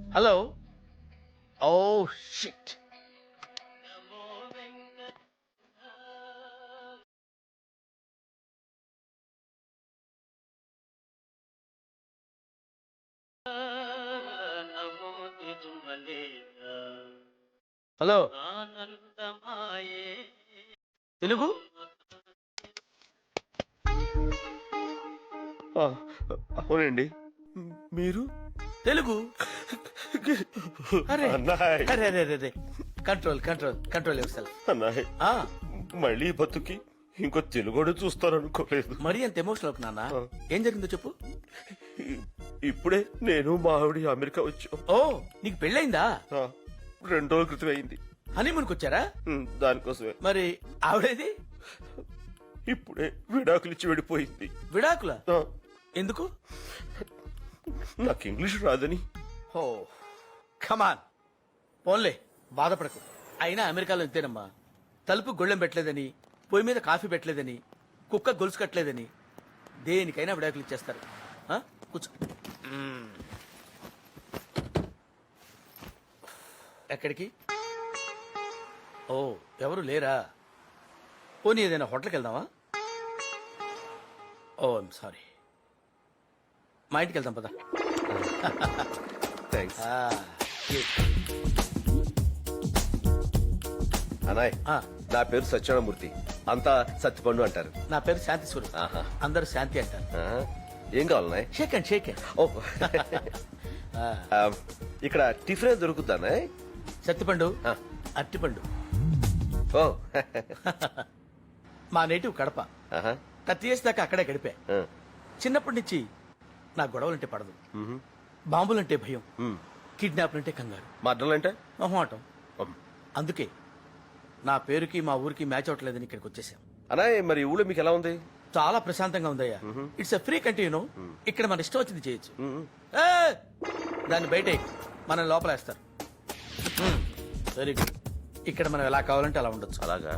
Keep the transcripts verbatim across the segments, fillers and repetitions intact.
Hello. Oh shit. Hello Telugu. అవునండి, మీరు తెలుగు. అరే అన్నాయ్ అరే అరే అరే control control control yourself. అన్నాయ్ మళ్ళీ బతుకి ఇంకో తెలుగుడు చూస్తారనుకోలేదు. మరీ అంత ఎమోషనల్ అవుతున్నా నాన్న. ఏం జరిగిందో చెప్పు. ఇప్పుడే నేను మా ఆవిడ అమెరికా వచ్చాం. ఓ నీకు పెళ్ళైందా? ఆ, రెండు రోజుల క్రితం అయింది. హనీమూన్కి వచ్చారా? ఉమ్, దానికోసమే మరి ఆవిడేది? ఇప్పుడే విడాకులు ఇచ్చి వెళ్ళిపోయింది. విడాకుల? ఆ, ఎందుకు? నాకు ఇంగ్లీష్ రాదని. ఓ కమాన్ పోన్లే, బాధపడకు. అయినా అమెరికాలో ఇంతేనమ్మా. తలుపు గొళ్ళెం పెట్టలేదని, పొయ్యి మీద కాఫీ పెట్టలేదని, కుక్క గొలుసు కట్టలేదని దేనికైనా విడాకులు ఇచ్చేస్తారు. ఆ? కూర్చో. మ్మ్. ఎక్కడికి? ఓ ఎవరు లేరా? పోనీ ఏదైనా హోటల్కి వెళ్దామా? Oh I'm sorry. మా ఇంటికి వెళ్దాం పదా. థ్యాంక్స్ ఆ, అన్నాయ్. ఆ, నా పేరు సత్యనారాయణమూర్తి, అంతా సత్తిపండు అంటారు. నా పేరు శాంతి స్వరూప్. ఆహా. అందరూ శాంతి అంటారు. ఆ, ఏం కావాలన్నాయ్? Shake and shake and. Oh ఆ, ఇక్కడ టిఫిన్ దొరుకుతానా? సత్తిపండు, ఆ. అట్టిపండు. ఓ మా నేటివ్ కడప. ఆహా. థర్టీ ఇయర్స్ దాకా అక్కడే గడిపా. ఆ, చిన్నప్పటి నుంచి నా గొడవలంటే పడదు, మ్హూ. బాంబులంటే భయం, మ్. కిడ్నాప్లంటే కంగారు, మడ్డలంటే మొహమాటం. ఉమ్. అందుకే నా పేరుకి మా ఊరికి మ్యాచ్ అవట్లేదని ఇక్కడికి వచ్చేసాం. అన్నాయ్ మరి ఊళ్ళో మీకు ఎలా ఉంది? చాలా ప్రశాంతంగా ఉందయ్యా. It's a free country, you know. ఇక్కడ మన ఇష్టం వచ్చింది చేయొచ్చు. మ్. ఏయ్! దాన్ని బయట మనం లోపలేస్తారు. Very good. ఇక్కడ మనం ఎలా కావాలంటే అలా ఉండొచ్చు. అలాగా?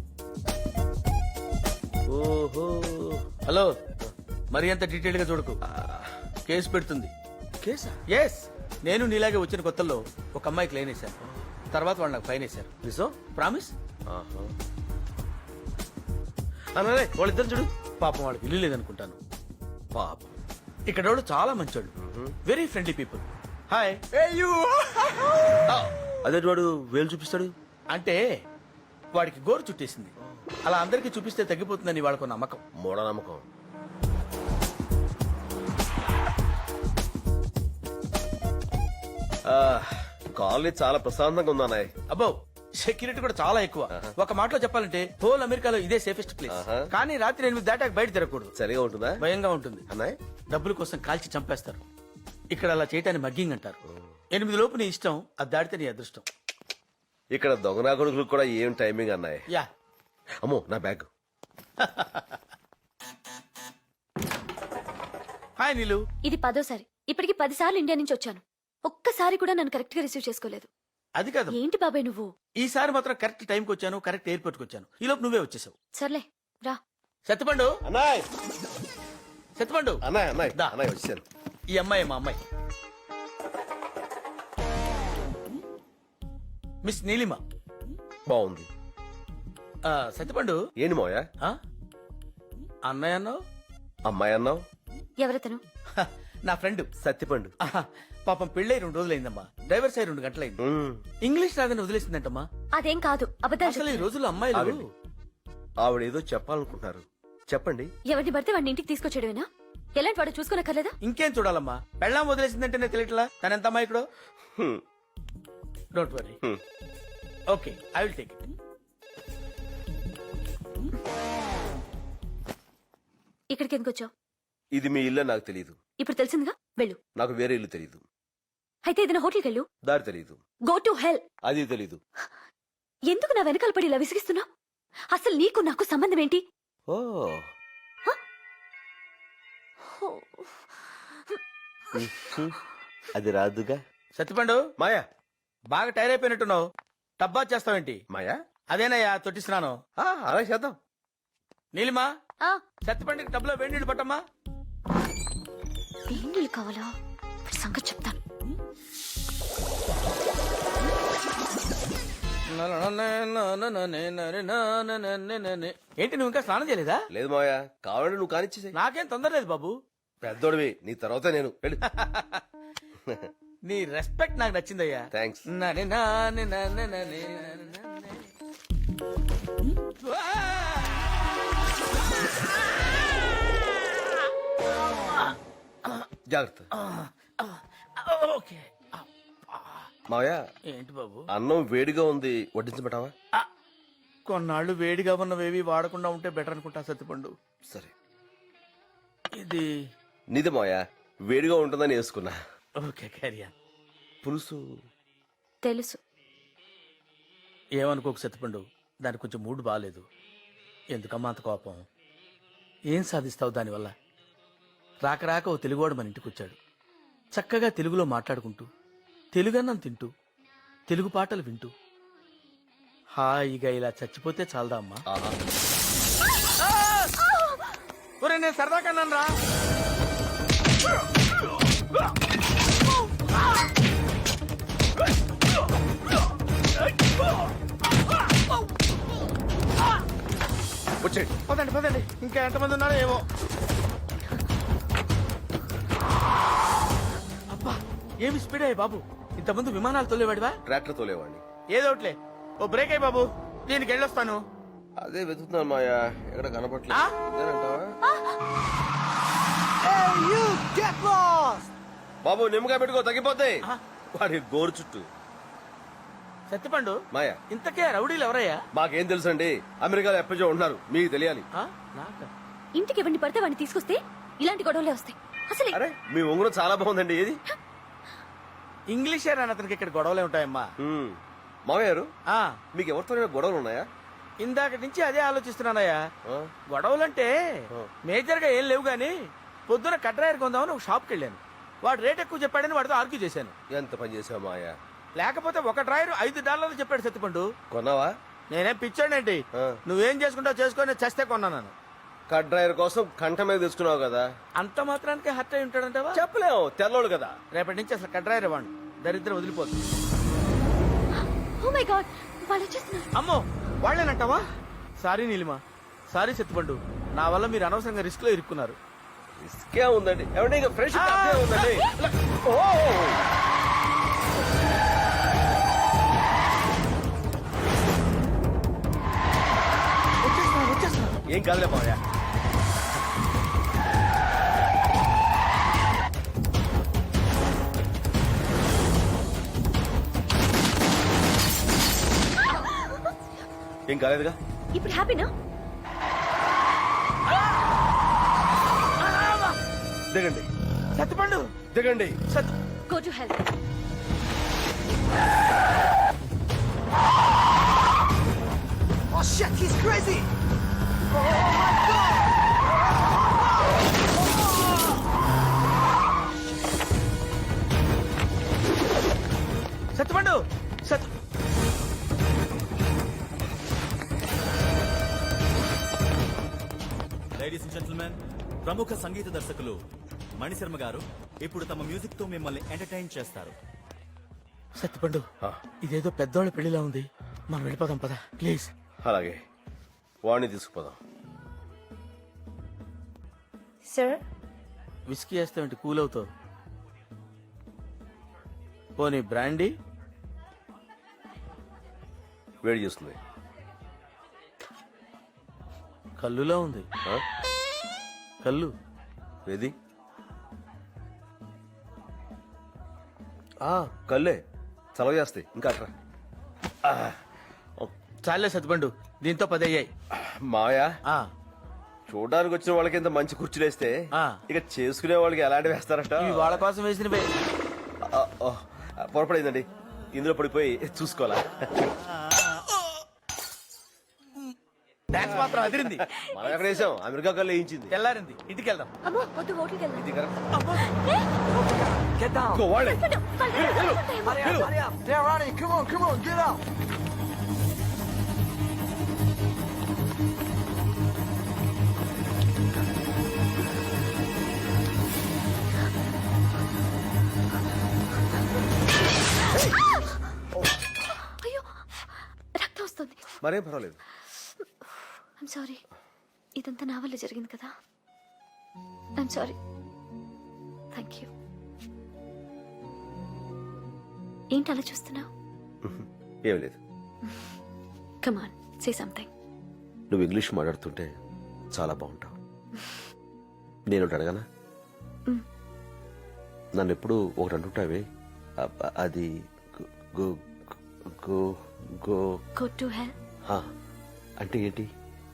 ఓహో. హలో, మరి అంత డీటెయిల్ గా చూడకు, కేసు పెడుతుంది. కేసా? ఎస్, నేను నీలాగే వచ్చిన కొత్తల్లో ఒక అమ్మాయికి లైన్ వేశాను. తర్వాత వాళ్ళు నాకు ఫైన్ వేశారు. నిజం? ప్రామిస్. ఆహా. అన్నాయ్ వాళ్ళిద్దరు చూడు. పాపం వాళ్ళకి ఇల్లు లేదనుకుంటాను. పాపం. ఇక్కడ వాళ్ళు చాలా మంచోళ్ళు, వెరీ ఫ్రెండ్లీ పీపుల్. హాయ్. అదే వాడు వేలు చూపిస్తాడు. అంటే వాడికి గోరు చుట్టేసింది. అలా అందరికీ చూపిస్తే తగ్గిపోతుందని వాళ్ళకు నమ్మకం. మూఢనమ్మకం. కాలేజ్ చాలా ప్రశాంతంగా ఉంది అన్నాయ్. అబ్బో, సెక్యూరిటీ కూడా చాలా ఎక్కువ. ఒక మాటలో చెప్పాలంటే హోల్ అమెరికాలో ఇదే సేఫెస్ట్ ప్లేస్. ఆహా. కానీ రాత్రి ఎనిమిది దాటాక బయట తిరగకూడదు. సరిగా ఉంటుందా? భయంగా ఉంటుంది. అన్నాయ్ డబ్బుల కోసం కాల్చి చంపేస్తారు. ఇక్కడ అలా చేయటాన్ని మగ్గింగ్ అంటారు. ఎనిమిది లోపు నీ ఇష్టం, అది దాటితే నీ అదృష్టం. ఇక్కడ దొంగనా కొడుకులకు కూడా ఏం టైమింగ్ అన్నాయ్. యా. అమ్మో నా బ్యాగ్. హాయ్ నీలు. ఇది పదోసారి. ఇప్పటికి పది సార్లు ఇండియా నుంచి వచ్చాను. ఒక్కసారి కూడా నన్ను కరెక్ట్ గా రిసీవ్ చేసుకోలేదు. అది కాదు, ఏంటి బాబాయ్ నువ్వు? ఈసారి మాత్రం కరెక్ట్ టైంకి వచ్చాను, కరెక్ట్ ఎయిర్పోర్ట్ కి వచ్చాను. ఈ లోపు నువ్వే వచ్చేసావు. సర్లే రా. సత్యపండు, అన్నాయ్ సత్యపండు. అన్నాయ్ అన్నాయ్ దా. అన్నాయ్ వచ్చాను. ఈ అమ్మాయి మా అమ్మాయి, మిస్ నీలిమ. బాగుంది. ఆ, సత్యపండు. ఏంటి మోయా? ఆ? అన్నయ్య అన్నావు? అమ్మాయి అన్నావు? ఎవరతను? హ, నా ఫ్రెండ్. సత్తిపండు. ఆహా, పాపం పెళ్ళై రెండు రోజులైందమ్మా. డ్రైవర్ సై రెండు గంటలైంది. మ్. ఇంగ్లీష్ రాదని వదిలేసిందంటమ్మా. అదేం కాదు, అబద్ధాలు అసలు ఈ చెప్తుంది. రోజుల్లో అమ్మాయిలు ఆగండి. ఆవిడేదో చెప్పాలనుకుంటున్నారు, చెప్పండి. ఎవరిని పడితే వాడిని ఇంటికి తీసుకొచ్చేయడమేనా? ఎలాంటి వాడు చూసుకోనక్కర్లేదా? ఇంకేం చూడాలమ్మా, పెళ్ళాం వదిలేసిందంటేనే తెలియట్లా తన ఎంత అమ్మాయికుడో. Hmm. Don't worry. Hmm. Okay, I will take it. ఇక్కడికి ఎందుకు వచ్చావు? ఇది మీ ఇల్లు నాకు తెలియదు. ఇప్పుడు తెలిసిందిగా, వెళ్ళు. నాకు వేరే ఇల్లు తెలియదు. అయితే ఏదైనా హోటల్కి వెళ్ళు. దారి తెలియదు. Go to hell. అది తెలీదు. ఎందుకు నా వెనకాల పడి ఇలా విసిగిస్తున్నావు? అసలు నీకు నాకు సంబంధం ఏంటి? ఓ అది రాదుగా. సత్యపండు, మాయా. బాగా టైర్ అయిపోయినట్టున్నావు. టబ్బా చేస్తావేంటి? మాయా. అదేనయ్యా తొట్టిస్తున్నాను. ఆ, అలా చేద్దాం. నీలిమా, ఆ, సత్యపండుకి టబ్లో వేడి నీళ్ళు పట్టమ్మా. వేడి నీళ్ళు కావాలా? సంగతి చెప్తాను. ఏంటి నువ్వు ఇంకా స్నానం చేయలేదా? లేదు మావయ్య, కావాలంటే నువ్వు కానిచ్చేసే. నాకేం తొందర లేదు బాబు. పెద్దోడివి, నీ తర్వాత నేను వెళ్ళు. నీ రెస్పెక్ట్ నాకు నచ్చిందయ్యా. థ్యాంక్స్. నని నాని నని నని నని నని. జాగ్రత్త. ఓకే. మావయ్య, ఏంటి బాబు? అన్నం వేడిగా ఉంది, వడ్డించబెట్టావా? ఆ, కొన్నాళ్ళు వేడిగా ఉన్నవేవి వాడకుండా ఉంటే బెటర్ అనుకుంటా సత్తిపండు. సరే. ఇది నీదే మావయ్య, వేడిగా ఉంటుందని వేసుకున్నా. ఓకే క్యారియా. పులుసు తెలుసు. ఏమనుకోకు సత్తిపండు, దానికి కొంచెం మూడ్ బాగాలేదు. ఎందుకమ్మా అంత కోపం? ఏం సాధిస్తావు దానివల్ల? రాక రాక ఓ తెలుగువాడు మన ఇంటికి వచ్చాడు. చక్కగా తెలుగులో మాట్లాడుకుంటూ, తెలుగన్నం తింటూ, తెలుగు పాటలు వింటూ హాయిగా ఇలా చచ్చిపోతే చాలదా అమ్మా? ఆహా. ఒరే నేను సరదా కన్నాను రా. వచ్చేయండి. పదండి పదండి, ఇంకా ఎంతమంది ఉన్నారో ఏమో. అబ్బా ఏమి స్పీడ్ అయ్యి బాబు. ఇంతకుముందు విమానాలు తోలేవాడివా? ట్రాక్టర్ తోలేవాడిని. ఏదోట్లే, ఓ బ్రేక్ అయ్యి బాబు, దీనికి వెళ్ళొస్తాను. అదే వెతుకుతున్నాను మాయా, ఎక్కడ కనపట్లేదు. ఆ? ఇదేనంటావా? బాబు నిమ్మకాయ పెట్టుకో, తగ్గిపోతాయి. ఆ? వాడి గోరు చుట్టూ. సత్తిపండు, మాయా, ఇంతకే రౌడీలు ఎవరయ్యా? మాకేం తెలుసండి, అమెరికాలో ఎప్పటికో ఉన్నారు, మీకు తెలియాలి. ఆ? నాకా? ఇంటికి ఎవరిని పడితే వాడిని తీసుకొస్తే ఇలాంటి గొడవలే వస్తాయి. అసలు అరే మీ ఉంగరం చాలా బాగుందండి. ఏది? ఇంగ్లీషే రాని అతనికి ఇక్కడ గొడవలే ఉంటాయమ్మా. ఉమ్. మామయ్య గారు, ఆ, మీకు ఎవరితో గొడవలు ఉన్నాయా? ఇందాక నుంచి అదే ఆలోచిస్తున్నానయ్యా. ఆ? గొడవలంటే ఆ. మేజర్ గా ఏం లేవు గానీ, పొద్దున కట్రాయర్ కొందామని ఒక షాప్కి వెళ్ళాను. వాడు రేట్ ఎక్కువ చెప్పాడని వాడితో ఆర్గ్యూ చేశాను. ఎంత పని చేసావు మాయా? లేకపోతే ఒక డ్రాయర్ ఐదు డాలర్లు చెప్పాడు సత్తిపండు. కొన్నావా? నేనేం పిచ్చాడేంటి? ఆ. నువ్వేం చేసుకుంటావు చేసుకొని చస్తే కొన్నాను. కట్ డ్రైవర్ కోసం కంట మీద తీసుకున్నావు కదా. అంత మాత్రానికి హర్ట్ అయి ఉంటాడంటావా? చెప్పలేము, తెల్లోడు కదా. రేపటి నుంచి అసలు కట్రాయర్ ఇవ్వండి, దరిద్రం వదిలిపోతుంది. ఓ మై గాడ్, వాళ్ళు వచ్చేస్తున్నారు. అమ్మో వాళ్ళేనంటావా? సారీ నీలిమా, సారీ సత్తిపండు, నా వల్ల మీరు అనవసరంగా రిస్క్ లో ఇరుక్కున్నారు. ఇసుకే ఉందండి, ఏమంటే ఇంకా ఫ్రెష్ ఉందండి. ఓ వచ్చేస్తున్నారు వచ్చేస్తున్నారు. ఏం కాదులే మాయా. ఏం కాలేదుగా? ఇప్పుడు హ్యాపీనా? దిగండి సత్తిపండు దిగండి. సత్ go to health. Oh shit, he's crazy! Sattupandu సత్ లేడీస్ అండ్ జెంటిల్మెన్, ప్రముఖ సంగీత దర్శకులు మణిశర్మ గారు ఇప్పుడు తమ మ్యూజిక్ తో మిమ్మల్ని ఎంటర్టైన్ చేస్తారు. సత్తుపండు, ఆ. ఇదేదో పెద్దోళ్ళ పెళ్లిలా ఉంది, మనం వెళ్ళిపోదాం పద ప్లీజ్. అలాగే, వాడిని తీసుకుపోదాం. సార్, విస్కీ వేస్తామంటే కూల్ అవుతావు. పోనీ బ్రాండీ? వేడి చేస్తుంది. కల్లులా ఉంది. ఆ? కల్లు ఏది? ఆ, కళ్ళే చలవ చేస్తాయి. ఇంకా అట్రా. ఆ, చాలే సత్తుపండు, దీంతో పది అయ్యాయి. మాయా, ఆ, చూడడానికి వచ్చిన వాళ్ళకి ఇంత మంచి కుర్చీలు వేస్తే ఆ. ఇక చేసుకునే వాళ్ళకి ఎలాంటి వేస్తారట? ఇవి వాళ్ళ కోసం వేసినవే. ఆ, ఓ, పొరపడిందండి, ఇందులో పడిపోయి చూసుకోవాలా? డాన్స్ మాత్రం అదిరింది. మనం ఎక్కడ వేసాం? అమెరికా కళ్ళు వేయించింది. తెల్లారింది, ఇంటికి వెళ్దాం. అమ్మో వద్దు, హోటల్కి వెళ్దాం. ఇది కరెక్ట్. Get down. ఇంకో వాళ్ళే. సత్తుపండు, వాళ్ళు వెళ్ళిపోతాయేమో. Hurry up, hurry up. They're running. Come on, come on, get out. అయ్యో, మరేం పర్వాలేదు. I'm sorry. ఇదంతా నా వల్ల జరిగింది కదా. I'm sorry. Thank you. ఏంటి అలా చూస్తున్నావు? ఏం లేదు. కమాన్, సే సంథింగ్. నువ్వు ఇంగ్లీష్ మాట్లాడుతుంటే చాలా బాగుంటావు. నేను ఒకటి అడగనా? మ్. నన్ను ఎప్పుడు ఒకటి అంటుంటావే, అ- అది go go go go to hell. హా, అంటే ఏంటి?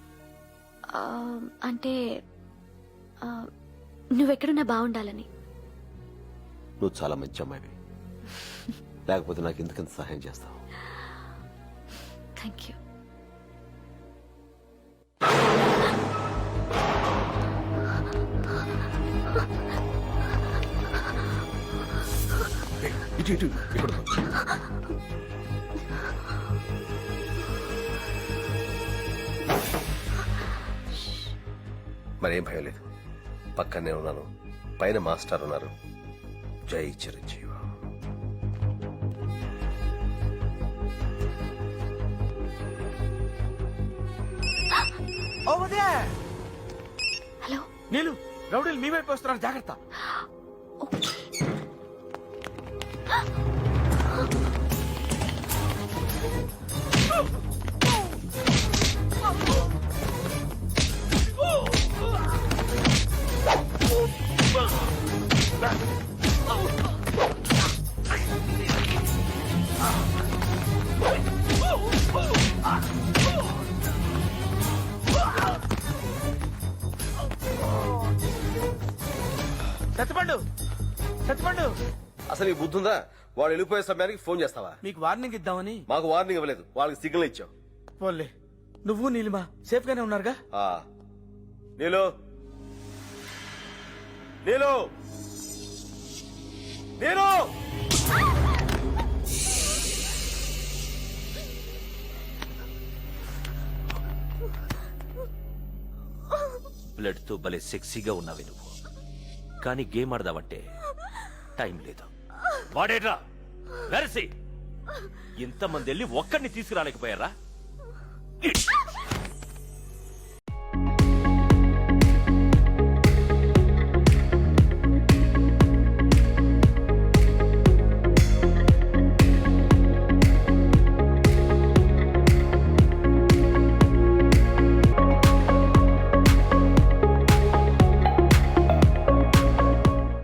అంటే ఆ, నువ్వెక్కడున్నా బాగుండాలని. నువ్వు చాలా మంచి అమ్మాయివి, లేకపోతే నాకు ఎందుకంత సహాయం చేస్తావు? Thank you. ఇటు ఇటు ఇప్పుడు మరేం భయం లేదు, పక్కనే ఉన్నాను. పైన మాస్టర్ ఉన్నారు. జై చిరంజీవి. హలో. నీళ్ళు రౌడీలు మీ వైపు వస్తున్నారు, జాగ్రత్త. ఓకే. సత్యపండు, సత్యపండు, అసలు ఈ బుద్ధి ఉందా? వాడు వెళ్ళిపోయే సమయానికి ఫోన్ చేస్తావా? మీకు వార్నింగ్ ఇద్దామని. మాకు వార్నింగ్ ఇవ్వలేదు, వాళ్ళకి సిగ్నల్ ఇచ్చావు. పోన్లే, నువ్వు నీలిమా సేఫ్ గానే ఉన్నారుగా? ఆ, నీలు నీలు నీలు బ్లడ్ తో భలే సెక్సీగా ఉన్నావే నువ్వు, కానీ గేమ్ ఆడదావంటే టైం లేదు. వాడేట్రా వెరసి ఇంతమంది వెళ్ళి ఒక్కడిని తీసుకురాలేకపోయారా?